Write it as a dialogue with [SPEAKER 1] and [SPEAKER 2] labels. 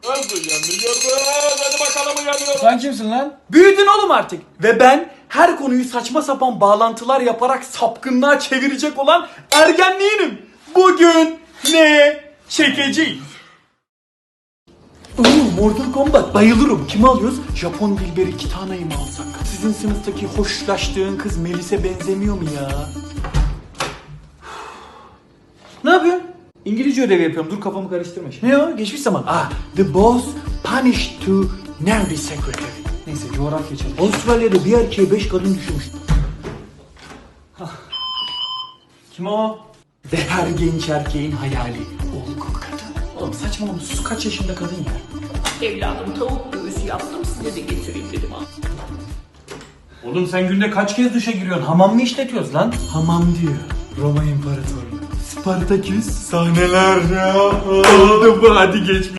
[SPEAKER 1] Nasıl uyanıyoruz? Hadi bakalım uyanıyoruz.
[SPEAKER 2] Sen kimsin lan? Büyüdün oğlum artık. Ve ben her konuyu saçma sapan bağlantılar yaparak sapkınlığa çevirecek olan ergenliğinim. Bugün ne çekeceğiz? Mortal Kombat bayılırım. Kimi alıyoruz? Japon Dilberi Kitana'yı mı alsak? Sizin sınıftaki hoşlaştığın kız Melis'e benzemiyor mu ya? Ne yapıyorsun? İngilizce ödevi yapıyorum. Dur kafamı karıştırma şimdi. Ne o? Geçmiş zaman. The boss punished to nerdy secretary. Neyse coğrafya çalış. Avustralya'da bir erkeğe 5 kadın düşmüş. Kim o? Ve her genç erkeğin hayali. Olgun kadın. Oğlum saçmalama sus, kaç yaşında kadın ya?
[SPEAKER 3] Evladım tavuk göğsü yaptım size de getireyim dedim ha.
[SPEAKER 2] Oğlum sen günde kaç kez duşa giriyorsun? Hamam mı işletiyoruz lan? Hamam diyor. Roma İmparatorluğu. Spartaküs sahneler ya. Oldu bu, hadi geç.